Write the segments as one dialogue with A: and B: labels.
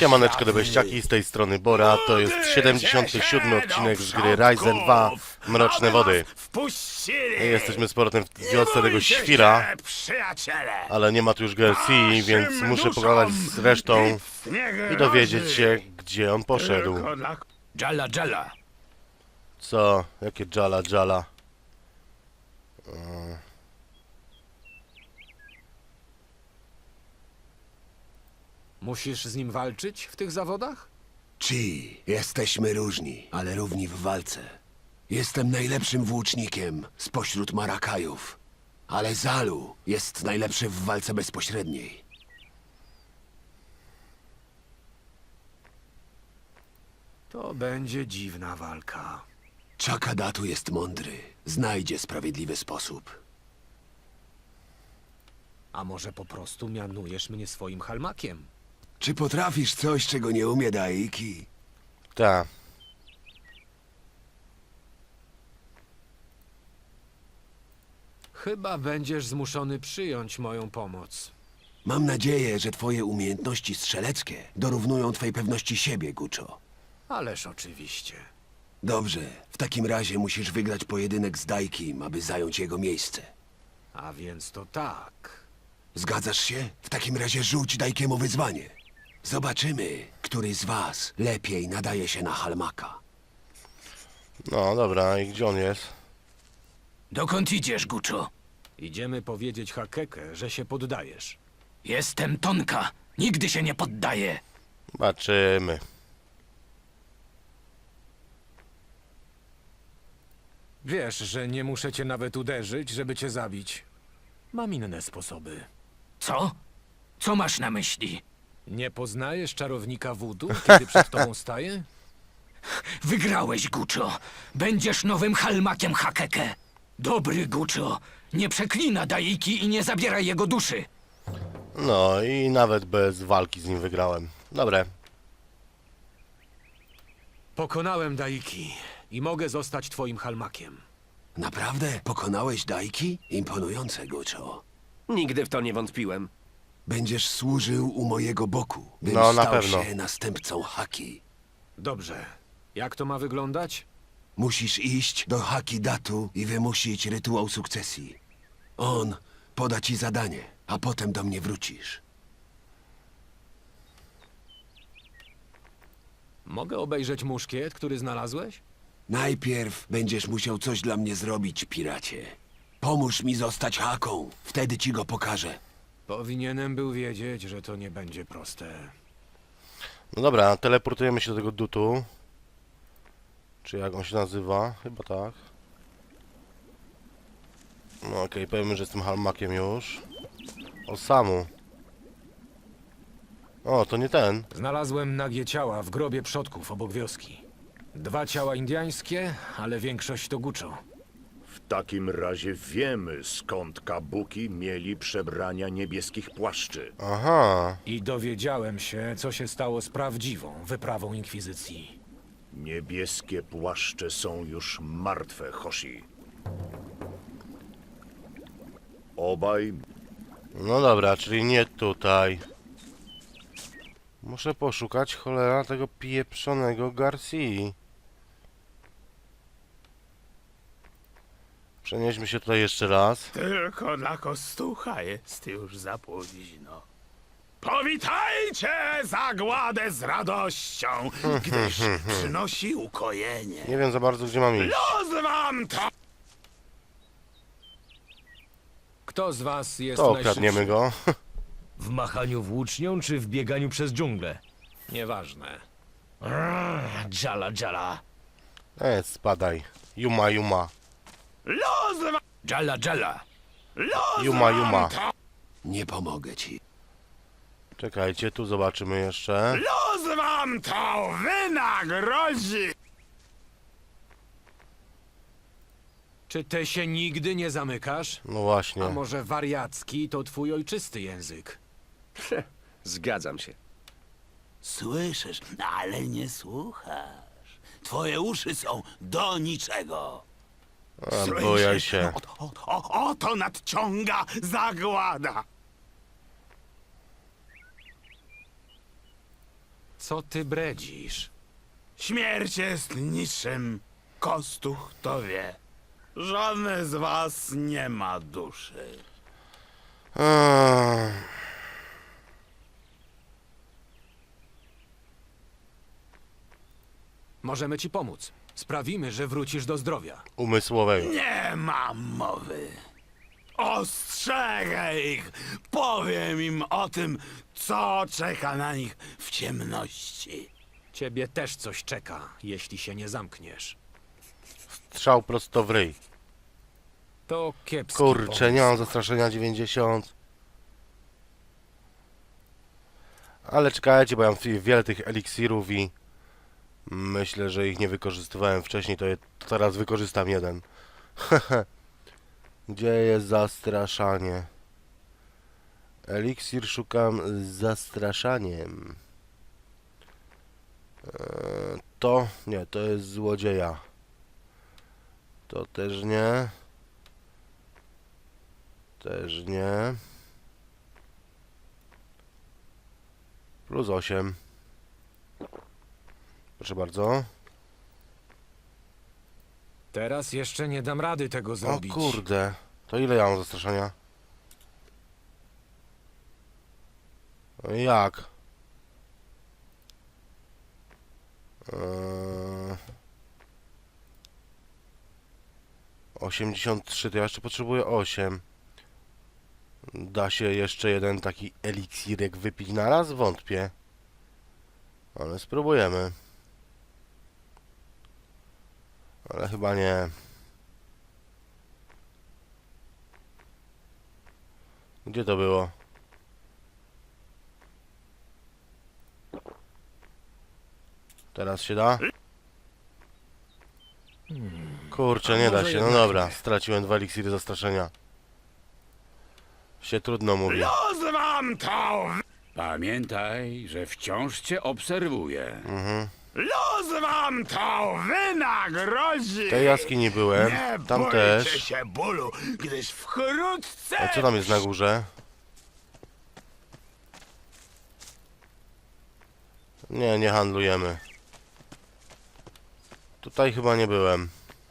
A: Siemaneczko dobeściaki, z tej strony Bora, to jest 77 odcinek z gry Ryzen 2 Mroczne Wody. Jesteśmy z powrotem w wiosce tego świra, ale nie ma tu już GLC, więc muszę pogadać z resztą i dowiedzieć się, gdzie on poszedł.
B: Jalla, Jalla.
A: Co? Jakie Jalla, Jalla?
B: Musisz z nim walczyć w tych zawodach?
C: Ci, jesteśmy różni, ale równi w walce. Jestem najlepszym włócznikiem spośród Marakajów, ale Zalu jest najlepszy w walce bezpośredniej.
B: To będzie dziwna walka.
C: Chakadatu jest mądry, znajdzie sprawiedliwy sposób.
B: A może po prostu mianujesz mnie swoim halmakiem?
C: Czy potrafisz coś, czego nie umie Daiki?
A: Ta.
B: Chyba będziesz zmuszony przyjąć moją pomoc.
C: Mam nadzieję, że twoje umiejętności strzeleckie dorównują twej pewności siebie, Guczo.
B: Ależ oczywiście.
C: Dobrze, w takim razie musisz wygrać pojedynek z Daikim, aby zająć jego miejsce.
B: A więc to tak.
C: Zgadzasz się? W takim razie rzuć Daikiemu wyzwanie. Zobaczymy, który z was lepiej nadaje się na halmaka.
A: No dobra, i gdzie on jest?
D: Dokąd idziesz, Guczo?
B: Idziemy powiedzieć Hakeke, że się poddajesz.
D: Jestem Tonka. Nigdy się nie poddaję.
A: Zobaczymy.
B: Wiesz, że nie muszę cię nawet uderzyć, żeby cię zabić. Mam inne sposoby.
D: Co? Co masz na myśli?
B: Nie poznajesz czarownika wudu, kiedy przed tobą staje?
D: Wygrałeś, Guczo. Będziesz nowym halmakiem Hakeke. Dobry Guczo. Nie przeklina Daiki i nie zabieraj jego duszy.
A: No i nawet bez walki z nim wygrałem. Dobre.
B: Pokonałem Daiki i mogę zostać twoim halmakiem.
C: Naprawdę? Pokonałeś Daiki? Imponujące, Guczo.
E: Nigdy w to nie wątpiłem.
C: Będziesz służył u mojego boku, bym
A: No, na
C: stał
A: pewno.
C: się następcą Haki.
B: Dobrze. Jak to ma wyglądać?
C: Musisz iść do Haki Datu i wymusić rytuał sukcesji. On poda ci zadanie, a potem do mnie wrócisz.
B: Mogę obejrzeć muszkiet, który znalazłeś?
C: Najpierw będziesz musiał coś dla mnie zrobić, piracie. Pomóż mi zostać Haką, wtedy ci go pokażę.
B: Powinienem był wiedzieć, że to nie będzie proste.
A: No dobra, teleportujemy się do tego dutu. Czy jak on się nazywa? Chyba tak. No okej, powiemy, że jestem halmakiem już. O, Samu. O, to nie ten.
B: Znalazłem nagie ciała w grobie przodków obok wioski. 2 ciała indyjskie, ale większość to Guczo.
F: W takim razie wiemy, skąd kabuki mieli przebrania niebieskich płaszczy.
A: Aha.
B: I dowiedziałem się, co się stało z prawdziwą wyprawą inkwizycji.
F: Niebieskie płaszcze są już martwe, Hoshi. Obaj
A: No dobra, czyli nie tutaj. Muszę poszukać, cholera, tego pieprzonego Garcii. Przenieśmy się tutaj jeszcze raz.
G: Tylko dla Kostucha jest już za późno. Powitajcie zagładę z radością, gdyż przynosi ukojenie.
A: Nie wiem za bardzo, gdzie mam iść.
G: Los wam to!
B: Kto z was jest
A: To
B: najszybszy?
A: okradniemy go.
H: W machaniu włócznią czy w bieganiu przez dżunglę?
B: Nieważne.
H: Jala, jala.
A: Spadaj. Juma, Juma.
G: Los wam!
D: Jalla, Jalla.
G: Los
A: Juma,
G: wam
A: Juma.
G: to!
C: Nie pomogę ci.
A: Czekajcie, tu zobaczymy jeszcze.
G: Los wam to wynagrodzi!
B: Czy ty się nigdy nie zamykasz?
A: No właśnie.
B: A może wariacki to twój ojczysty język?
E: Zgadzam się.
D: Słyszysz, ale nie słuchasz. Twoje uszy są do niczego.
A: A, bojaj się.
G: Oto nadciąga zagłada!
B: Co ty bredzisz?
G: Śmierć jest niczym. Kostuch to wie. Żadne z was nie ma duszy.
B: Możemy ci pomóc. Sprawimy, że wrócisz do zdrowia.
A: Umysłowego.
G: Nie ma mowy. Ostrzegę ich. Powiem im o tym, co czeka na nich w ciemności.
B: Ciebie też coś czeka, jeśli się nie zamkniesz.
A: Strzał prosto w ryj.
B: To kiepski
A: Kurczę, nie
B: pomysł.
A: mam zastraszenia 90. Ale czekajcie, bo ja mam wiele tych eliksirów i myślę, że ich nie wykorzystywałem wcześniej, to teraz wykorzystam jeden. Gdzie jest zastraszanie? Eliksir szukam z zastraszaniem. To? Nie, to jest złodzieja. To też nie. Też nie. Plus 8. Proszę bardzo.
B: Teraz jeszcze nie dam rady tego
A: O
B: zrobić.
A: kurde. To ile ja mam zastraszenia? No i jak? 83, to ja jeszcze potrzebuję 8. Da się jeszcze jeden taki eliksirek wypić na raz? Wątpię. Ale spróbujemy. Ale chyba nie. Gdzie to było? Teraz się da? Kurczę, nie da się. No dobra, straciłem 2 eliksiry zastraszenia. Się trudno mówi.
G: Los wam to!
I: Pamiętaj, że wciąż cię obserwuję.
G: Los wam to wynagrodzi!
A: W tej jaskini byłem.
G: Nie
A: Tam
G: bójcie
A: też.
G: się bólu, gdyż wkrótce...
A: A co tam jest na górze? Nie, nie handlujemy. Tutaj chyba nie byłem.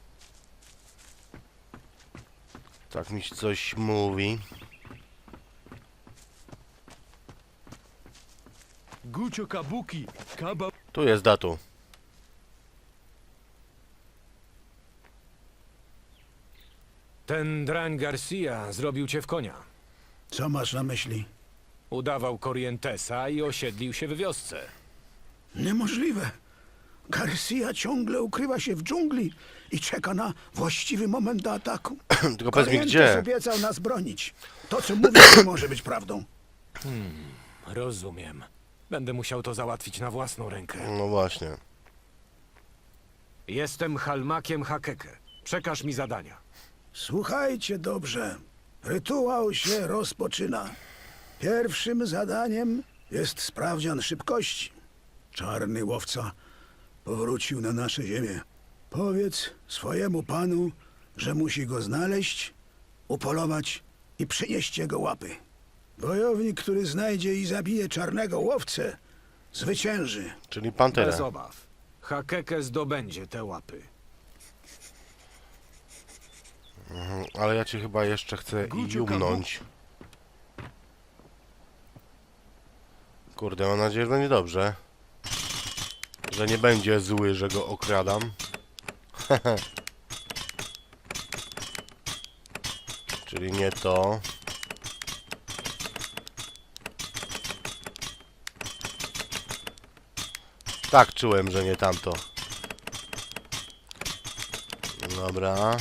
A: Tak mi się coś mówi.
H: Gucio Kabuki, Kaba...
A: Tu jest datu.
B: Ten drań Garcia zrobił cię w konia.
G: Co masz na myśli?
B: Udawał Corrientesa i osiedlił się w wiosce.
G: Niemożliwe. Garcia ciągle ukrywa się w dżungli i czeka na właściwy moment do ataku.
A: Tylko powiedz mi gdzie.
G: obiecał nas bronić. To, co mówi, nie może być prawdą.
B: Rozumiem. Będę musiał to załatwić na własną rękę.
A: No właśnie.
B: Jestem Halmakiem Hakeke. Przekaż mi zadania.
J: Słuchajcie dobrze. Rytuał się rozpoczyna. Pierwszym zadaniem jest sprawdzian szybkości. Czarny łowca powrócił na nasze ziemię. Powiedz swojemu panu, że musi go znaleźć, upolować i przynieść jego łapy. Wojownik, który znajdzie i zabije czarnego łowcę, zwycięży.
A: Czyli panterę.
B: Bez obaw. Hakeke zdobędzie te łapy.
A: Ale ja cię chyba jeszcze chcę jumnąć. Kurde, mam nadzieję, że będzie dobrze. Że nie będzie zły, że go okradam. Czyli nie to. Tak czułem, że nie tamto. Dobra.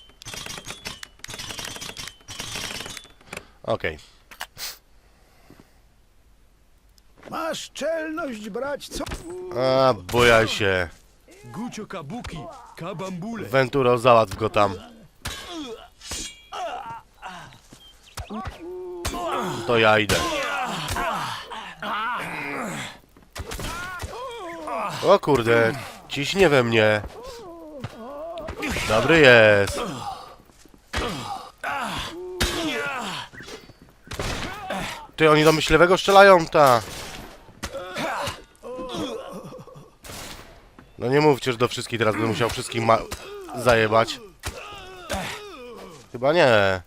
A: Okej.
J: Masz czelność brać co?
A: A, bojaj się.
H: Gucio Kabuki, Kabambule.
A: Venturo, załatw go tam. To ja idę. O kurde, ciśnie we mnie. Dobry jest. Ty, oni do myśliwego strzelają, ta. No nie mówcie, że do wszystkich teraz będę musiał wszystkich zajebać. Chyba nie.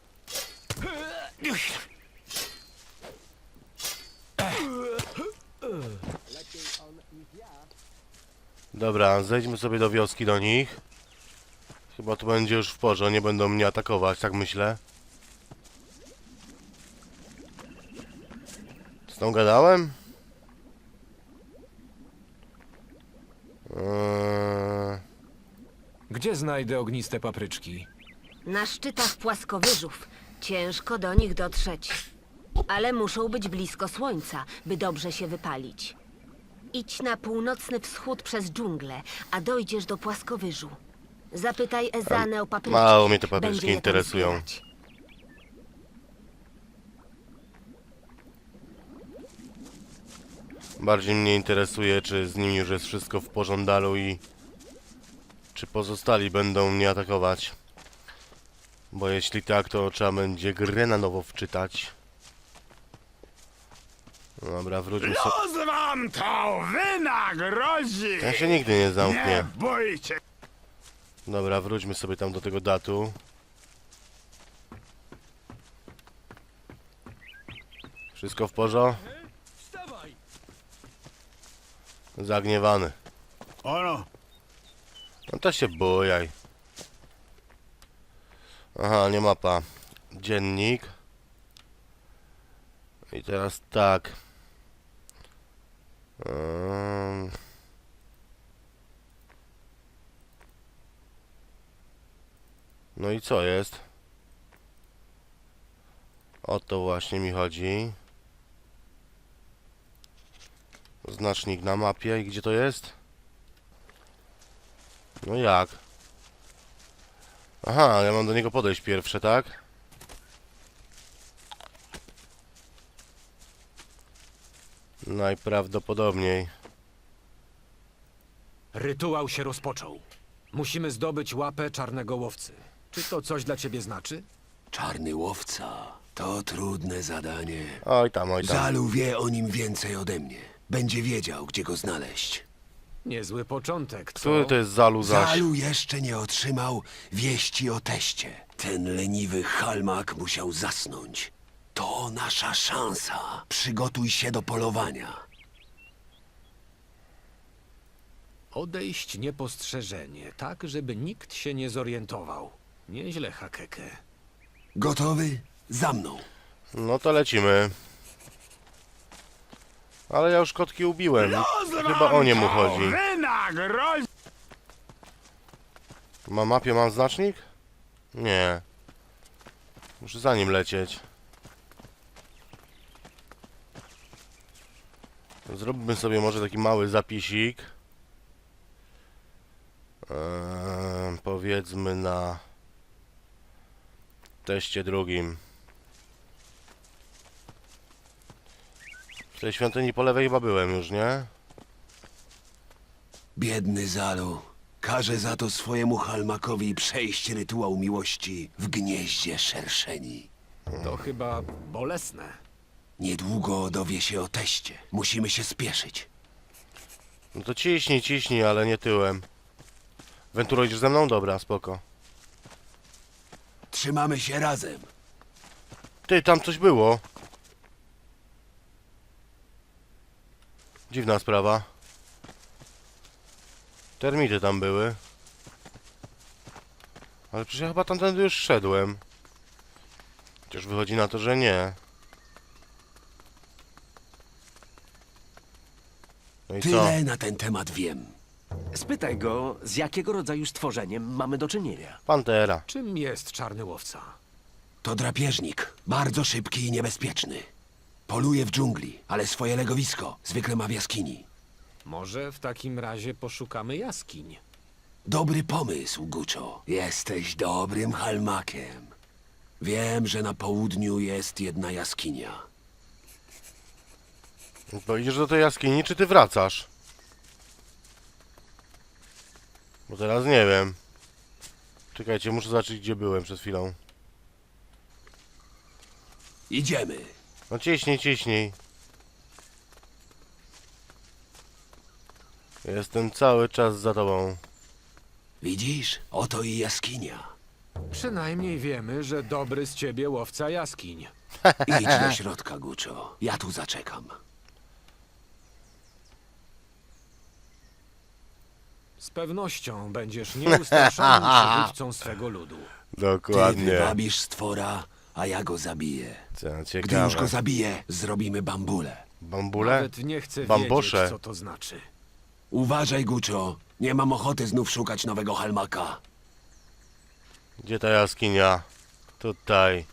A: Dobra, zejdźmy sobie do wioski do nich. Chyba to będzie już w porze, nie będą mnie atakować, tak myślę. Z tą gadałem?
B: Gdzie znajdę ogniste papryczki?
K: Na szczytach płaskowyżów. Ciężko do nich dotrzeć. Ale muszą być blisko słońca, by dobrze się wypalić. Idź na północny wschód przez dżunglę, a dojdziesz do płaskowyżu. Zapytaj Ezanę o papryczki.
A: Mało mnie te papryczki
K: Będzie je tam
A: interesują.
K: zbierać.
A: Bardziej mnie interesuje, czy z nimi już jest wszystko w pożądalu i czy pozostali będą mnie atakować. Bo jeśli tak, to trzeba będzie grę na nowo wczytać. Dobra, wróćmy sobie.
G: Los wam to wynagrodzi!
A: Ten się nigdy nie zamknie.
G: Nie bójcie!
A: Dobra, wróćmy sobie tam do tego datu. Wszystko w porządku? Zagniewany.
J: Ono,
A: No to się bujaj. Aha, nie mapa. Dziennik. I teraz tak. No i co jest? O to właśnie mi chodzi. Znacznik na mapie. I gdzie to jest? No jak? Aha, ja mam do niego podejść pierwsze, tak? Najprawdopodobniej.
B: Rytuał się rozpoczął. Musimy zdobyć łapę czarnego łowcy. Czy to coś dla ciebie znaczy?
C: Czarny łowca to trudne zadanie.
A: Oj tam, oj tam.
C: Zalu wie o nim więcej ode mnie. Będzie wiedział, gdzie go znaleźć.
B: Niezły początek, co?
A: Który to jest Zalu zaś?
C: Zalu jeszcze nie otrzymał wieści o teście. Ten leniwy halmak musiał zasnąć. To nasza szansa. Przygotuj się do polowania.
B: Odejść niepostrzeżenie, tak żeby nikt się nie zorientował. Nieźle, Hakeke.
C: Gotowy? Za mną.
A: No to lecimy. Ale ja już kotki ubiłem. Chyba o nie mu chodzi.
G: Wynagrodzi!
A: Na mapie mam znacznik? Nie. Muszę za nim lecieć. Zrobimy sobie może taki mały zapisik. Powiedzmy na teście drugim. W tej świątyni po lewej chyba byłem już, nie?
C: Biedny Zalu. Każe za to swojemu halmakowi przejść rytuał miłości w gnieździe szerszeni.
B: To chyba bolesne.
C: Niedługo dowie się o teście. Musimy się spieszyć.
A: No to ciśnij, ciśnij, ale nie tyłem. Wenturo, idziesz ze mną? Dobra, spoko.
C: Trzymamy się razem.
A: Ty, tam coś było. Dziwna sprawa. Termity tam były. Ale przecież ja chyba tamtędy już szedłem. Chociaż wychodzi na to, że nie. No i co?
C: Tyle na ten temat wiem.
E: Spytaj go, z jakiego rodzaju stworzeniem mamy do czynienia.
A: Pantera.
B: Czym jest czarny łowca?
C: To drapieżnik. Bardzo szybki i niebezpieczny. Poluje w dżungli, ale swoje legowisko zwykle ma w jaskini.
B: Może w takim razie poszukamy jaskiń.
C: Dobry pomysł, Guczo. Jesteś dobrym halmakiem. Wiem, że na południu jest jedna jaskinia.
A: To idziesz do tej jaskini, czy ty wracasz? Bo teraz nie wiem. Czekajcie, muszę zobaczyć, gdzie byłem przed chwilą.
C: Idziemy.
A: No ciśnij, ciśnij. Jestem cały czas za tobą.
C: Widzisz? Oto i jaskinia.
B: Przynajmniej wiemy, że dobry z ciebie łowca jaskiń.
C: Idź do środka, Guczo. Ja tu zaczekam.
B: Z pewnością będziesz nieustraszonym przywódcą swego ludu.
C: Ty
A: Dokładnie.
C: wywabisz stwora, a ja go zabiję.
A: Co
C: Gdy już
A: ciekawe.
C: go zabiję, zrobimy bambule.
A: Bambule?
B: Nawet nie chcę
A: Bambosze.
B: wiedzieć, co to znaczy.
C: Uważaj, Guczo. Nie mam ochoty znów szukać nowego halmaka.
A: Gdzie ta jaskinia? Tutaj.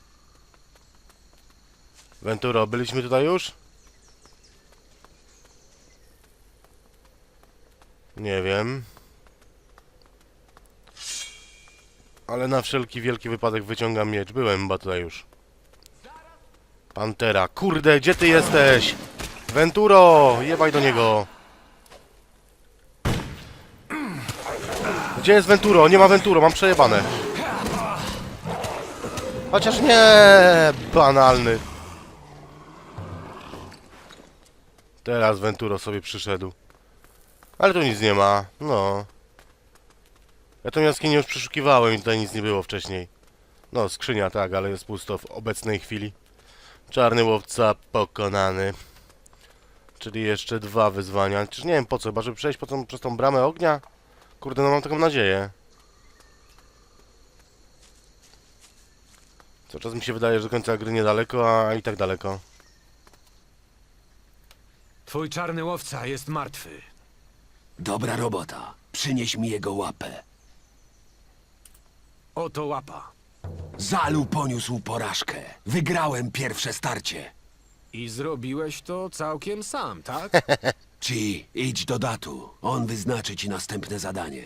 A: Venturo, byliśmy tutaj już? Nie wiem. Ale na wszelki wielki wypadek wyciągam miecz. Byłem chyba tutaj już. Pantera. Kurde, gdzie ty jesteś? Venturo! Jebaj do niego. Gdzie jest Venturo? Nie ma Venturo, mam przejebane. Chociaż nie, banalny. Teraz Venturo sobie przyszedł. Ale tu nic nie ma, no. Ja tą jaskinię już przeszukiwałem i tutaj nic nie było wcześniej. No, skrzynia tak, ale jest pusto w obecnej chwili. Czarny łowca pokonany. Czyli jeszcze 2 wyzwania. Czyż nie wiem po co, chyba żeby przejść przez tą bramę ognia? Kurde, no mam taką nadzieję. Cały czas mi się wydaje, że do końca gry niedaleko, a i tak daleko.
B: Twój czarny łowca jest martwy.
C: Dobra robota. Przynieś mi jego łapę.
B: Oto łapa.
C: Zalu poniósł porażkę. Wygrałem pierwsze starcie.
B: I zrobiłeś to całkiem sam, tak?
C: Ci, idź do Datu. On wyznaczy ci następne zadanie.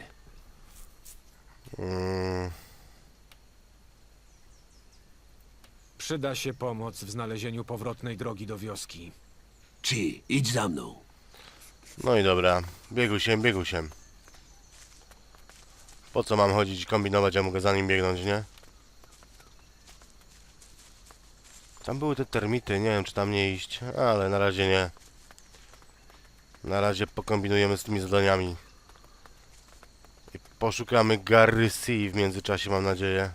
B: Przyda się pomoc w znalezieniu powrotnej drogi do wioski.
C: Ci, idź za mną.
A: No i dobra. Biegł się. Po co mam chodzić i kombinować, ja mogę za nim biegnąć, nie? Tam były te termity, nie wiem czy tam nie iść, ale na razie nie. Na razie pokombinujemy z tymi zadaniami. I poszukamy Garrysii w międzyczasie, mam nadzieję.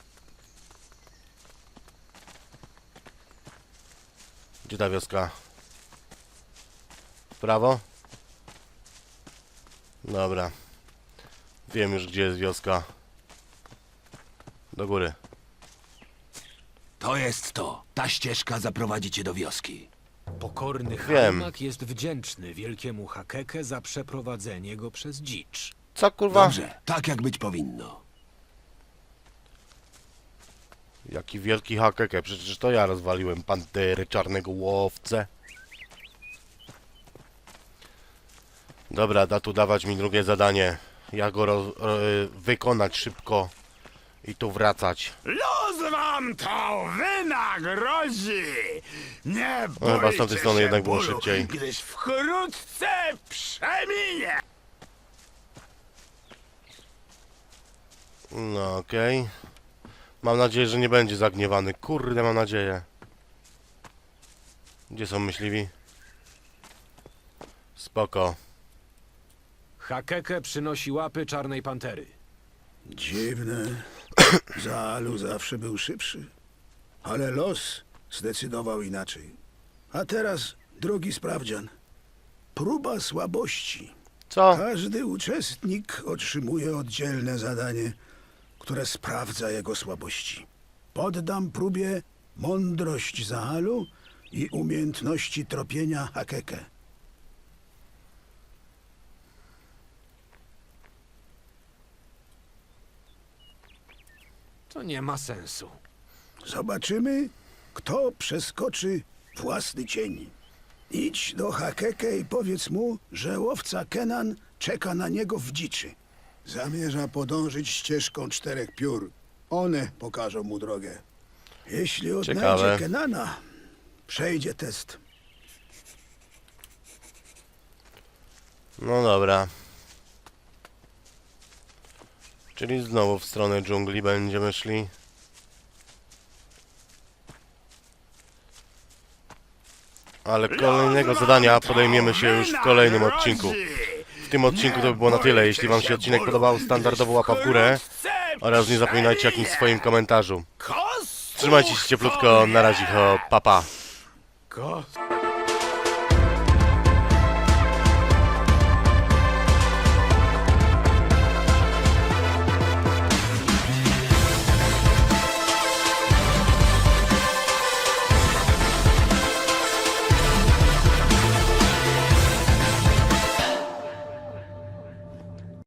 A: Gdzie ta wioska? W prawo? Dobra. Wiem już gdzie jest wioska. Do góry.
C: To jest to. Ta ścieżka zaprowadzi cię do wioski.
B: Pokorny
A: Wiem.
B: halmak jest wdzięczny wielkiemu Hakeke za przeprowadzenie go przez dzicz.
A: Co kurwa?
C: Dobrze, tak jak być powinno.
A: Jaki wielki hakeke, przecież to ja rozwaliłem pantery, czarnego łowcę. Dobra, da tu dawać mi drugie zadanie. Ja go wykonać szybko i tu wracać.
G: Los wam to wynagrodzi! Nie
A: No, chyba z
G: bójcie
A: tamtej strony
G: się
A: jednak było
G: bólu,
A: szybciej.
G: gdyż wkrótce przeminie!
A: No okej. Mam nadzieję, że nie będzie zagniewany. Kurde, mam nadzieję. Gdzie są myśliwi? Spoko.
B: Hakeke przynosi łapy czarnej pantery.
J: Dziwne. Zalu zawsze był szybszy. Ale los zdecydował inaczej. A teraz drugi sprawdzian. Próba słabości.
A: Co?
J: Każdy uczestnik otrzymuje oddzielne zadanie, które sprawdza jego słabości. Poddam próbie mądrość Zaalu i umiejętności tropienia Hakeke.
B: To nie ma sensu.
J: Zobaczymy, kto przeskoczy własny cień. Idź do Hakeke i powiedz mu, że łowca Kenan czeka na niego w dziczy. Zamierza podążyć ścieżką 4 piór. One pokażą mu drogę. Jeśli odnajdzie
A: Ciekawe.
J: Kenana, przejdzie test.
A: No dobra. Czyli znowu w stronę dżungli będziemy szli. Ale kolejnego zadania podejmiemy się już w kolejnym odcinku. W tym odcinku to by było na tyle. Jeśli wam się odcinek podobał, standardowo łapa w górę oraz nie zapominajcie o jakimś swoim komentarzu. Trzymajcie się cieplutko, na razie, papa.
G: Kostów